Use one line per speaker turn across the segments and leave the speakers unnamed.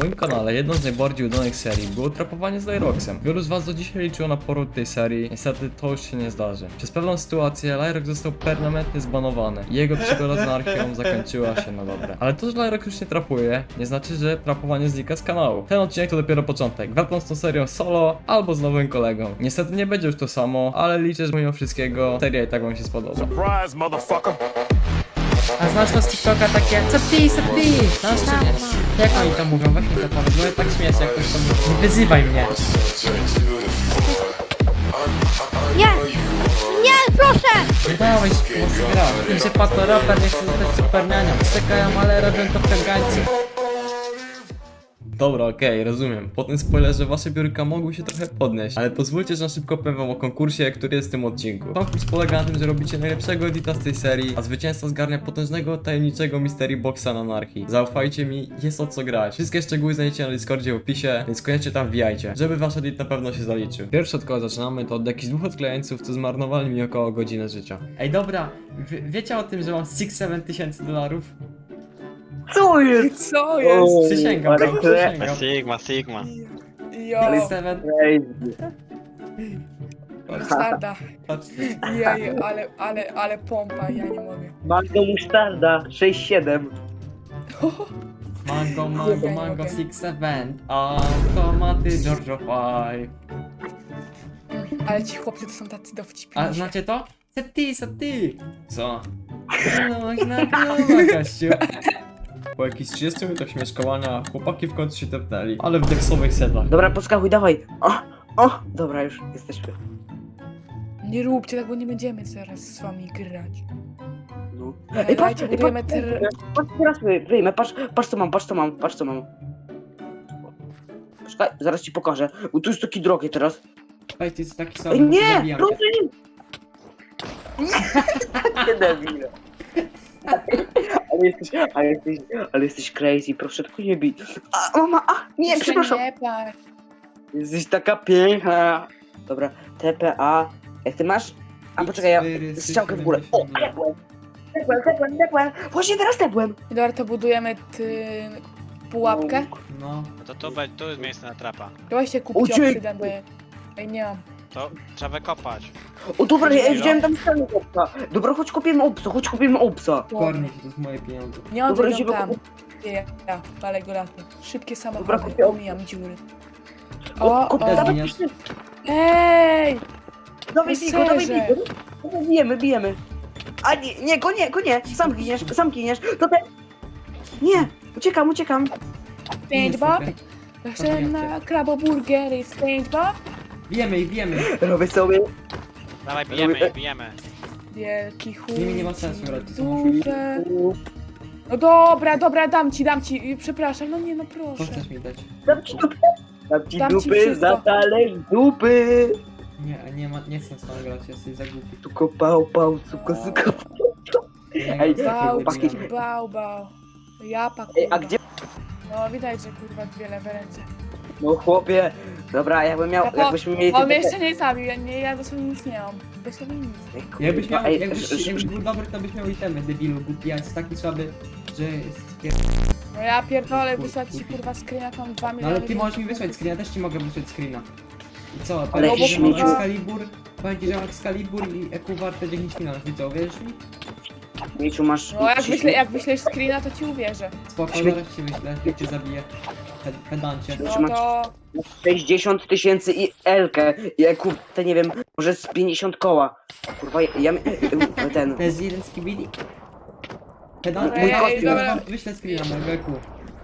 moim kanale jedną z najbardziej udanych serii było trapowanie z Lyroxem. Wielu z was do dzisiaj liczyło na powrót tej serii, niestety to już się nie zdarzy. Przez pewną sytuację Lyrox został permanentnie zbanowany i jego przygoda z anarchią zakończyła się na dobre. Ale to, że Lyrox już nie trapuje, nie znaczy, że trapowanie znika z kanału. Ten odcinek to dopiero początek. Wracam z tą serią solo albo z nowym kolegą. Niestety nie będzie już to samo, ale liczę, że mimo wszystkiego seria i tak wam się spodoba.
Surprise, motherfucker.
A znasz to z TikToka takie co ty? Znasz czy nie? Jak oni to mówią? Weź mi to powiedz, bo ja tak śmieję się jak ktoś to mówi. Nie wyzywaj mnie.
Nie! Nie, proszę!
Nie dałeś głosy gra. Im się pato raper, nie chce zostać supernianią. Czekają, ale robią to w kagańcu.
Dobra, okej, rozumiem. Po tym spoilerze wasze biurka mogły się trochę podnieść, ale pozwólcie, że na szybko powiem wam o konkursie, który jest w tym odcinku. Konkurs polega na tym, że robicie najlepszego edita z tej serii, a zwycięzca zgarnia potężnego, tajemniczego Mystery Boxa na anarchii. Zaufajcie mi, jest o co grać. Wszystkie szczegóły znajdziecie na Discordzie w opisie, więc koniecznie tam wbijajcie, żeby wasz edit na pewno się zaliczył. Pierwsze od kogo zaczynamy to od jakichś dwóch odklejeńców, co zmarnowali mi około godziny życia.
Ej dobra, wiecie o tym, że mam 6-7 tysięcy dolarów?
Co jest?
Co jest?
Przysięgam,
ale
przysięgam.
Sigma.
Jo,
6-7.
Crazy.
musztarda.
Patrzcie.
Jej, ale pompa, ja nie mogę.
Mango musztarda 6-7.
Mango,
Nie mogę.
6-7. Automaty Giorgio 5.
Ale ci chłopcy to są tacy dowcipni.
A znacie to? Sety. Co? No, na piłę, gościu.
Po jakichś 30 minutach śmieszkowania chłopaki w końcu się tepnęli, ale w deksowych setach.
Dobra, podskakuj, dawaj. O, dobra, już jesteśmy.
Nie róbcie tak, bo nie będziemy zaraz z wami grać.
No.
Dajcie, budujemy
patrz, teraz wyjmę, patrz co mam. Poczekaj, zaraz ci pokażę. Bo tu jest taki drogie teraz.
Słuchajcie, jest taki
Ej,
sam.
nie! Proszę nie! Nie debile. Ale jesteś crazy, proszę tylko nie bij. A, mama, nie, przepraszam.
Nie patrz.
Jesteś taka piękna. Dobra, TPA. Jak ty masz? A poczekaj, ja strzałkę w górę. O, tepłem. Właśnie teraz tepłem.
Dobra, to budujemy pułapkę.
No.
No to tu jest miejsce na trapa.
Dawajcie kupcie
Uciek.
obsydian, bo ja nie mam.
To trzeba wykopać.
O, dobra, ja widziałem tam ścianę obsa. Dobra, chodź kupimy obsa.
Kornie się, to jest moje pieniądze.
Nie mam
Dobra,
idą
idziemy
tam.
kupić.
Ja, palę go latem. Szybkie
Dobra,
samochody,
kupię-
omijam dziury. O,
Dawaj,
Giniasz.
Ej!
dawaj,
Serze.
bijemy. A nie, go nie. Sam giniesz. To te... Nie, uciekam.
Pięć bob? Chcę na kraboburgery z 5 bob?
Bijemy ich.
Robię sobie.
Dawaj, bijemy.
Wielki chuj.
Z nimi nie ma sensu grać, to są
Dupę. No dobra, dam ci. Przepraszam, no nie, no
Co
proszę.
chcesz mi dać?
Dam ci
Dam ci
dupy
wszystko.
za talerz dupy.
Nie chcę z tobą grać, jesteś za głupi.
Tuko pał, suko. Ej, chłopaki.
Bał. Japa,
Ej,
kurwa.
a gdzie...
No widać, że kurwa dwie lewe ręce.
No chłopie. Dobra, jakbyśmy mieli...
On mnie jeszcze nie zabił, ja dosłownie nic nie mam. Dosłownie nic.
Ej,
Jakbyś
kurwa,
miał,
ej,
jakbyś był dobry, to byś miał itemy, debilu, głupi, a jest taki słaby, że jest
No ja pierdolę, wysłać ci kurwa screena, tam 2
No
miliony.
ale ty możesz mi wysłać screena, też ci mogę wysłać screena. I co,
Ale
powiem ci,
jakiś
że mam
śmieciu.
Excalibur, i EQ warte 10 milionów, i co, wierzysz mi?
Mieciu, masz...
No jak wyślesz screena, to ci uwierzę.
Spoko,
Śmie-
zaraz ci wyślę, jak cię zabiję. Pedancie.
No to...
60 000 i Elkę. I kurde, nie wiem, może z 50 koła. Kurwa, ten...
To jest jeden z kibili.
Ej,
Pedant,
dobra.
wyślę screena mojego EQ.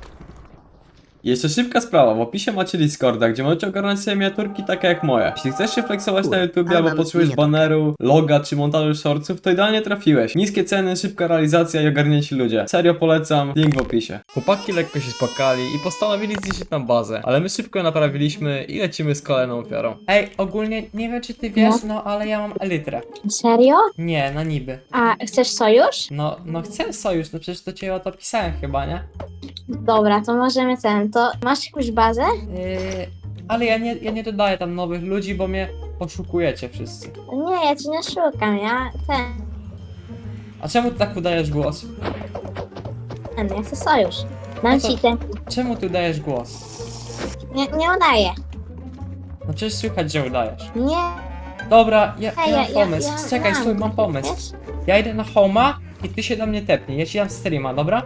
Jeszcze szybka sprawa, w opisie macie Discorda, gdzie możecie ogarnąć sobie miniaturki takie jak moje. Jeśli chcesz się flexować na YouTube albo potrzebujesz baneru, loga czy montażu shortsów, to idealnie trafiłeś. Niskie ceny, szybka realizacja i ogarnięci ludzie. Serio polecam, link w opisie. Chłopaki lekko się spakali i postanowili zniszczyć nam bazę, ale my szybko ją naprawiliśmy i lecimy z kolejną ofiarą.
Ej, ogólnie nie wiem czy ty wiesz, no ale ja mam elytrę.
Serio?
Nie, na niby.
A chcesz sojusz?
No chcę sojusz, no przecież to cię o to pisałem chyba, nie?
Dobra, to możemy to masz jakąś bazę?
Ale ja nie dodaję tam nowych ludzi, bo mnie poszukujecie wszyscy.
Nie, ja ci nie szukam,
A czemu ty tak udajesz głos?
ja chcę sojusz. Dam
co?
ci ten.
Czemu ty udajesz głos?
Nie udaję.
No przecież słychać, że udajesz.
Nie.
Dobra, ja mam pomysł.
ja
Czekaj,
mam,
stój, mam pomysł.
Wiesz?
Ja idę na homa i ty się do mnie tepnij. Ja ci dam streama, dobra?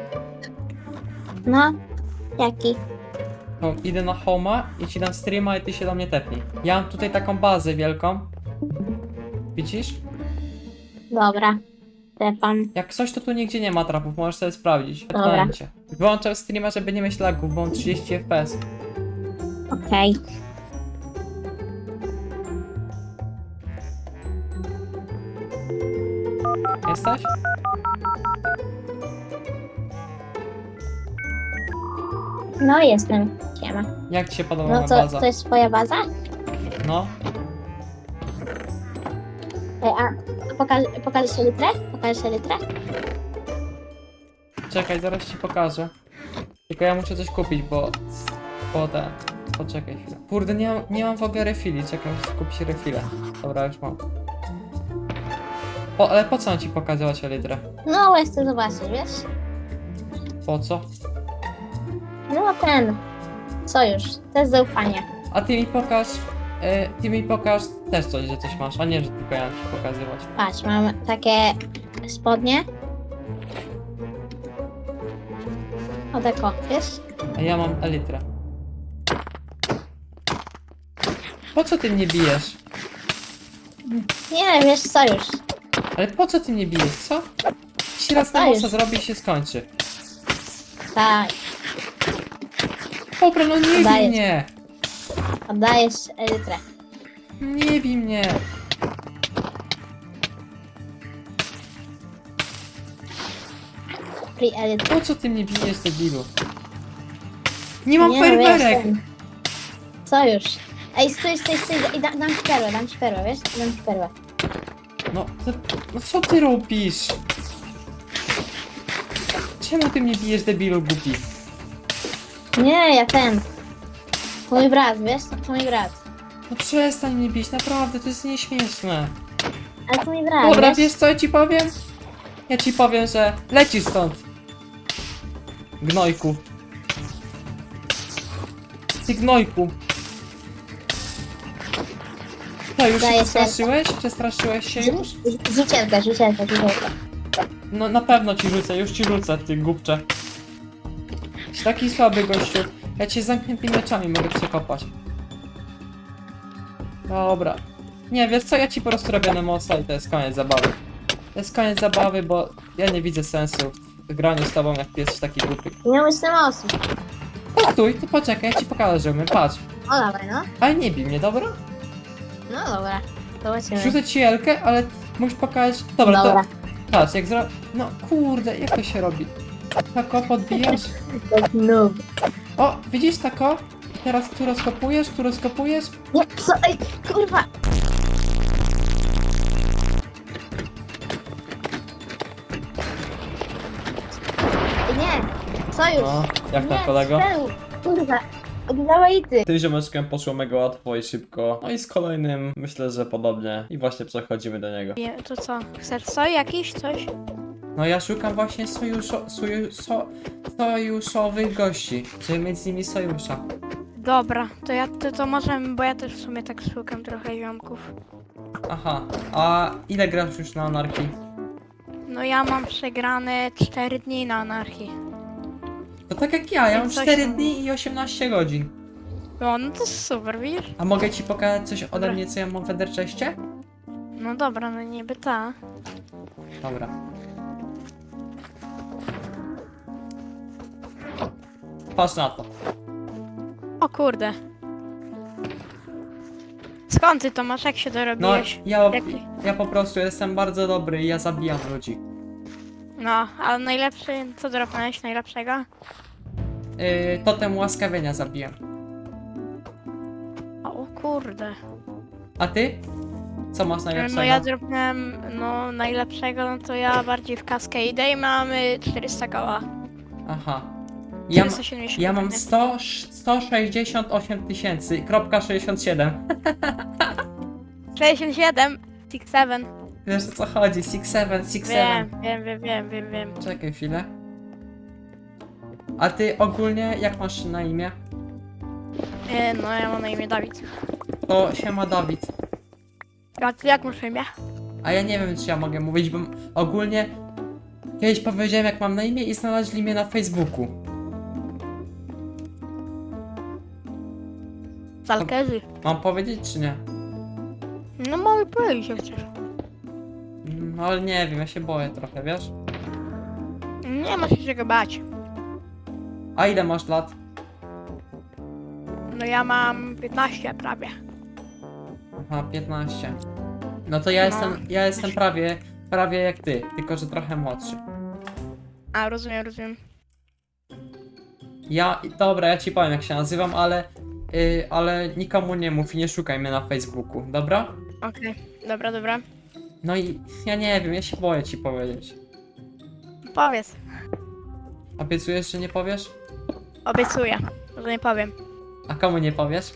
No. Jaki?
No, idę na homa i ci dam streama i ty się do mnie tepnij. Ja mam tutaj taką bazę wielką. Widzisz?
Dobra. Stefan.
Jak coś, to tu nigdzie nie ma trapów, możesz sobie sprawdzić.
Dobra.
Pamięcie. Wyłączam streama, żeby nie mieć lagów, bo mam 30 fps.
Okej.
Jesteś?
No jestem. Siema.
Jak ci się podoba
No
moja
to,
baza?
to jest twoja baza?
No,
A pokażesz litrę? Pokażesz litrę?
czekaj, zaraz ci pokażę. Tylko ja muszę coś kupić, bo... Poczekaj chwilę. Kurde, nie mam w ogóle refili, czekaj, muszę kupić refile. Dobra, już mam. Ale po co mam ci pokazywać litrę?
No, bo chcę zobaczyć, wiesz?
Po co?
No ten. Sojusz. To jest zaufanie.
A ty mi pokaż też coś, że coś masz, a nie, że tylko ja mam ci pokazywać.
Patrz, mam takie spodnie. O tako, wiesz?
A ja mam elitrę. Po co ty mnie bijesz?
Nie, wiesz, sojusz.
Ale po co ty mnie bijesz, co? Jeśli raz na
Dostajesz.
nosa zrobi i się skończy.
Tak,
Dobra, no nie bij
Dajesz.
mnie!
oddajesz litrę.
Nie bij mnie!
Free elitrę.
Po co ty mnie bijesz, debilu? Nie mam
Nie, wiesz,
fajerwerek!
ten. Sojusz. Ej, stój, i dam ci perłę, wiesz? Dam ci perłę.
No co ty robisz? Czemu ty mnie bijesz, debilu głupi?
Nie, ja ten. To mój brat, wiesz? To mój brat.
No przestań mnie bić, naprawdę, to jest nieśmieszne.
Ale to mój brat,
Dobra,
wiesz?
wiesz co ja ci powiem? Ja ci powiem, że lecisz stąd. Gnojku. Ty gnojku. Co, już się
Daję
przestraszyłeś? Przestraszyłeś się już?
Rzucielka.
No na pewno ci rzucę, już ci rzucę, ty głupcze. Jesteś taki słaby gościu. Ja cię z zamkniętymi oczami mogę przekopać. Dobra. Nie, wiesz co, ja ci po prostu robię nemosa i to jest koniec zabawy. To jest koniec zabawy, bo ja nie widzę sensu w graniu z tobą, jak ty jesteś taki głupi.
Nie myślę osób.
Postój, ty poczekaj, ja ci pokażę, że umiem, patrz.
O, dobra, no.
Ale nie bij mnie, dobra?
No dobra. Zobaczymy.
Rzucę ci jelkę, ale musisz pokazać... Dobra,
Dobra.
to... Patrz, jak zro... No kurde, jak to się robi? Tako podbijasz?
Jak noob.
O, widzisz tako? Teraz tu rozkopujesz?
Nie, co? Ej, kurwa. Nie, sojusz.
No, jak tam
Nie,
kolego?
strzelił. Kurwa. Oddawaj ty.
Tym ziomeczkiem poszło mega łatwo i szybko. No i z kolejnym myślę, że podobnie. I właśnie przechodzimy do niego.
To co? Chcesz soj jakiś? Coś?
No ja szukam właśnie sojuszowych gości, żeby mieć z nimi sojusza.
Dobra, to możemy, bo ja też w sumie tak szukam trochę ziomków.
Aha, a ile grasz już na anarchii?
No ja mam przegrane 4 dni na anarchii.
To tak jak ja mam
Coś
4
tam.
dni i 18 godzin.
No to super, widzisz?
A mogę ci pokazać coś ode
Dobra.
mnie, co ja mam w Ederczeście?
No dobra, no niby ta.
Dobra. Patrz na to.
O kurde. Skąd ty to masz? Jak się
No,
dorobiłeś?
ja po prostu jestem bardzo dobry i ja zabijam ludzi.
No, ale najlepszy, co dropnąłeś najlepszego?
Totem łaskawienia zabijam.
O kurde.
A ty? Co masz najlepszego?
No ja dropnąłem, no najlepszego, no to ja bardziej w Cascade i mamy 400 koła.
Aha. Ja,
470
ja mam
pewnie.
168 tysięcy, kropka 67.
67, 67.
Wiesz o co chodzi? 67.
Wiem.
Czekaj chwilę.
A ty ogólnie jak masz na imię?
No ja mam na imię Dawid.
To siema Dawid.
A ty jak masz na imię?
A ja nie wiem, czy ja mogę mówić, bo ogólnie kiedyś powiedziałem, jak mam na imię i znaleźli mnie na Facebooku.
Zalkezy.
Mam powiedzieć, czy nie?
No mogę powiedzieć, jak chcesz.
No ale nie wiem, ja się boję trochę, wiesz?
Nie ma się czego bać.
A ile masz lat?
No ja mam 15 prawie.
Aha, 15. No to ja
No.
ja jestem prawie jak ty, tylko że trochę młodszy.
A, rozumiem.
Dobra, ja ci powiem jak się nazywam, ale nikomu nie mów i nie szukaj mnie na Facebooku, dobra?
Okej, dobra.
No i ja nie wiem, ja się boję ci powiedzieć.
Powiedz.
Obiecujesz, że nie powiesz?
Obiecuję, że nie powiem.
A komu nie powiesz?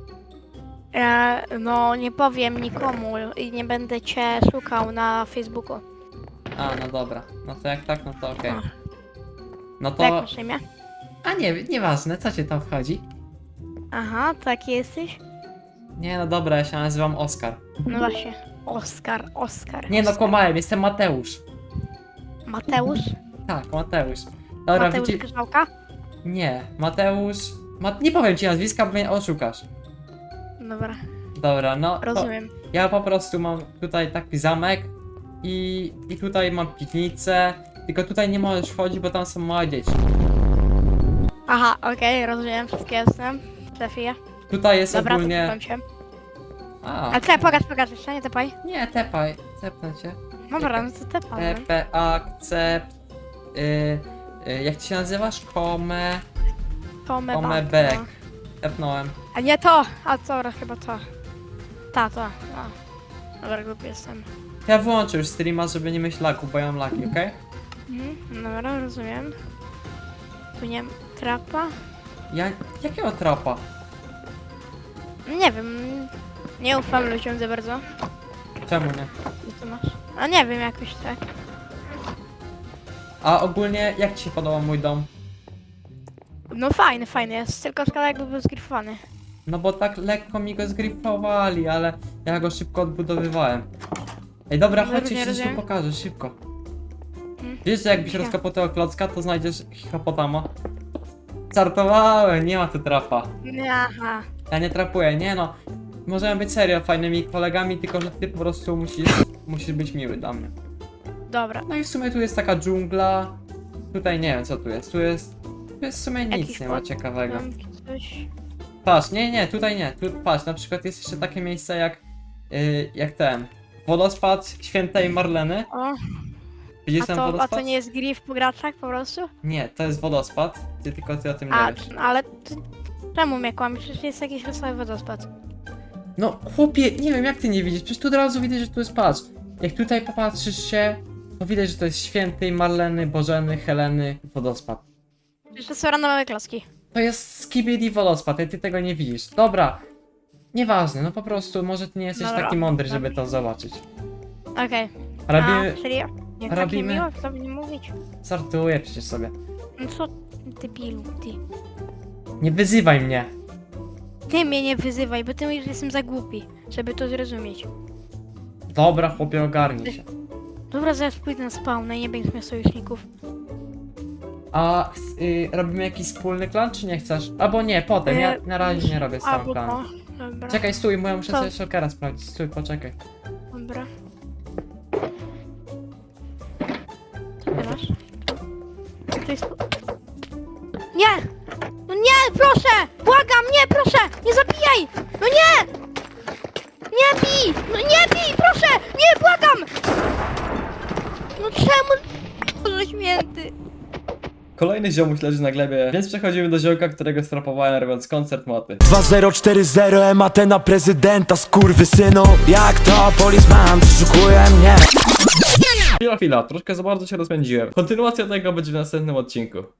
No nie powiem nikomu i nie będę cię szukał na Facebooku.
A, no dobra. No to jak tak, no to okej. No
Tak
to...
masz na imię?
A nie, nieważne, co cię tam wchodzi?
Aha, taki jesteś?
Nie, no dobra, ja się nazywam Oskar.
No właśnie. Oskar.
Nie no, kłamałem, jestem Mateusz.
Mateusz?
Tak, Mateusz. Dobra,
Mateusz Grzałka?
Nie, Mateusz... Nie powiem ci nazwiska, bo mnie oszukasz.
Dobra,
Dobra, no to
rozumiem.
ja po prostu mam tutaj taki zamek i tutaj mam piwnicę, tylko tutaj nie możesz wchodzić, bo tam są małe dzieci.
Aha, okej, rozumiem, wszystkie jestem. Trafię.
Tutaj jest
Dobra, to
ogólnie...
słucham cię.
A,
A te, pokaż jeszcze, nie tepaj.
nie, tepaj, tepnę cię.
Dobra, no to tepaj.
TP, akcept... jak ty się nazywasz? Komebek.
no.
Tepnąłem.
A nie to! A co, chyba to. To. A. Dobra, głupi jestem.
Ja wyłączę już streama, żeby nie mieć lagu, bo ja mam lagi, okej?
Dobra, rozumiem. Tu nie trapa?
Jakiego trapa?
Nie wiem. Nie ufam ludziom za bardzo.
Czemu nie?
Co masz? A nie wiem, jakoś tak.
A ogólnie, jak ci się podoba mój dom?
No fajny jest, tylko szkoda jakby był zgrifowany.
No bo tak lekko mi go zgrifowali, ale ja go szybko odbudowywałem. Ej, dobra, chodź, ci coś tu
rozumiem.
pokażę, szybko. Wiesz, że jakbyś rozkopał tego klocka, to znajdziesz hipopotama? Żartowałem, nie ma tu trapa.
Aha.
Ja nie trapuję, nie no. Możemy być serio fajnymi kolegami, tylko że ty po prostu musisz być miły dla mnie.
Dobra.
No i w sumie tu jest taka dżungla. Tutaj nie wiem co tu jest. Tu jest w sumie nic
Jakiś
nie ma
kot,
ciekawego.
Domki, coś.
Patrz, nie, tutaj nie. Tu, patrz, na przykład jest jeszcze takie miejsce jak ten. Wodospad Świętej Marleny.
O,
Widzisz ten
a
wodospad?
to nie jest grif po graczach po prostu?
Nie, to jest wodospad. Tylko ty o tym nie
A,
wiesz.
ale ty, czemu mnie kłamiesz? Przecież jest jakiś wesoły wodospad.
No chłopie, nie wiem jak ty nie widzisz. Przecież tu od razu widać, że tu jest patrz. Jak tutaj popatrzysz się, to widać, że to jest Świętej Marleny, Bożeny, Heleny wodospad.
Przecież to są randomowe klocki.
To jest Skibidi wodospad, ty tego nie widzisz. Dobra, nieważne, no po prostu może ty nie jesteś
Dobra.
taki mądry, żeby to zobaczyć.
Okej.
Robimy...
A, serio? Nie takie
robimy-
miło, co by nie mówić?
Żartuję przecież sobie.
No co ty pilu, ty?
Nie wyzywaj mnie.
Ty mnie nie wyzywaj, bo ty mówisz, że jestem za głupi, żeby to zrozumieć.
Dobra, chłopie, ogarnij się.
Dobra, zaraz pójdę na spawnę i nie będziesz miał sojuszników.
A robimy jakiś wspólny klan, czy nie chcesz? Albo nie, potem, ja na razie nie robię z całym
Albo
klanem.
to. Dobra.
Czekaj, stój, bo ja muszę
Co?
sobie shulkera sprawdzić. Stój, poczekaj.
Dobra. Co ty masz? To jest... Nie! No nie, proszę! Błagam, nie, proszę! Nie zabijaj! No nie! Nie bij! No nie bij, proszę! Nie, błagam! No czemu? Boże święty!
Kolejny ziomuś leży na glebie, więc przechodzimy do ziołka, którego strapowałem robiąc koncert moty.
2040 MAT na prezydenta, skurwysynu. Jak to policeman przeszukuje mnie.
Chwila, troszkę za bardzo się rozpędziłem. Kontynuacja tego będzie w następnym odcinku.